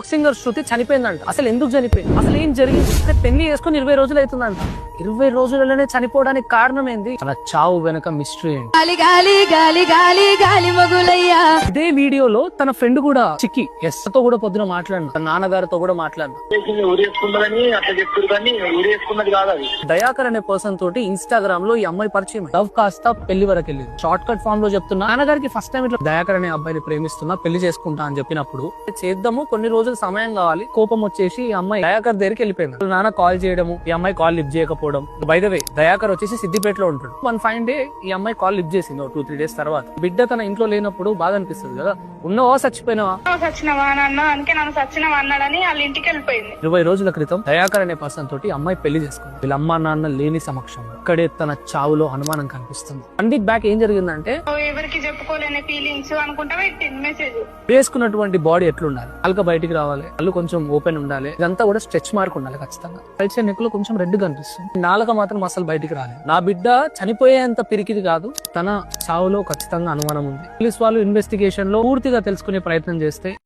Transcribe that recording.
Folk singer శృతి చనిపోయిందంట. అసలు ఎందుకు చనిపోయింది, అసలు ఏం జరిగింది? పెళ్లి చేసుకుని 20 రోజులు అవుతుందంట. 20 రోజులలోనే చనిపోవడానికి కారణం ఏంది? తన చావు వెనక మిస్టరీ ఏంటి? ఇదే వీడియోలో తన ఫ్రెండ్ కూడా చిక్కి ఎస్ తో కూడా పొద్దున మాట్లాడిన, తన నాన్నగారితో కూడా మాట్లాడిన. దయాకర్ అనే పర్సన్ తోటి ఇన్స్టాగ్రామ్ లో ఈ అమ్మాయి పరిచయం. లవ్ కాస్త పెళ్లి వరకు వెళ్ళింది. షార్ట్ కట్ ఫామ్ లో చెప్తున్నా, నాన్నగారికి ఫస్ట్ టైం ఇట్లా దయాకర్ అనే అబ్బాయిని ప్రేమిస్తున్నా, పెళ్లి చేసుకుంటా అని చెప్పినప్పుడు చేద్దాము, కొన్ని రోజులు సమయం కావాలి, కోపం వచ్చేసి ఈ అమ్మాయి దయాకర్ దగ్గరికి వెళ్ళిపోయింది. నాన్న కాల్ చేయడము, ఈ అమ్మాయి కాల్ లిఫ్ట్ చేయకపోవడం. బై ద వే దయాకర్ వచ్చేసి సిద్దిపేటలో ఉంటాడు. వన్ ఫైన్ డే ఈ అమ్మాయి కాల్ లిఫ్ట్ చేసింది. 2-3 డేస్ తర్వాత బిడ్డ తన ఇంట్లో లేనప్పుడు బాధ అనిపిస్తుంది కదా, ఉన్నవా చచ్చిపోయినావా? 20 రోజుల క్రితం దయాకర్ అనే పర్సన్ తోటి అమ్మాయి పెళ్లి చేసుకుంది. వీళ్ళ అమ్మా నాన్న లేని సమక్షం ఇక్కడే తన చావులో అనుమానం కనిపిస్తుంది. 1 వీక్ బ్యాక్ ఏం జరిగిందంటే, ఎవరికి చెప్పుకోలేని ఫీలింగ్స్ అనుకుంటా పెట్టింది మెసేజ్. వేసుకున్నటువంటి బాడీ ఎట్లుండాలి, అల్క బయటికి రావాలి, అల్లు కొంచెం ఓపెన్ ఉండాలి, ఇదంతా కూడా స్ట్రెచ్ మార్క్ ఉండాలి ఖచ్చితంగా. కలిసే నెక్కులో కొంచెం రెడ్ కనిపిస్తుంది, నాలుక మాత్రం అసలు బయటికి రాలేదు. నా బిడ్డ చనిపోయేంత పిరికిది కాదు, తన చావులో ఖచ్చితంగా అనుమానం ఉంది. పోలీస్ వాళ్ళు ఇన్వెస్టిగేషన్ లో పూర్తిగా తెలుసుకునే ప్రయత్నం చేస్తే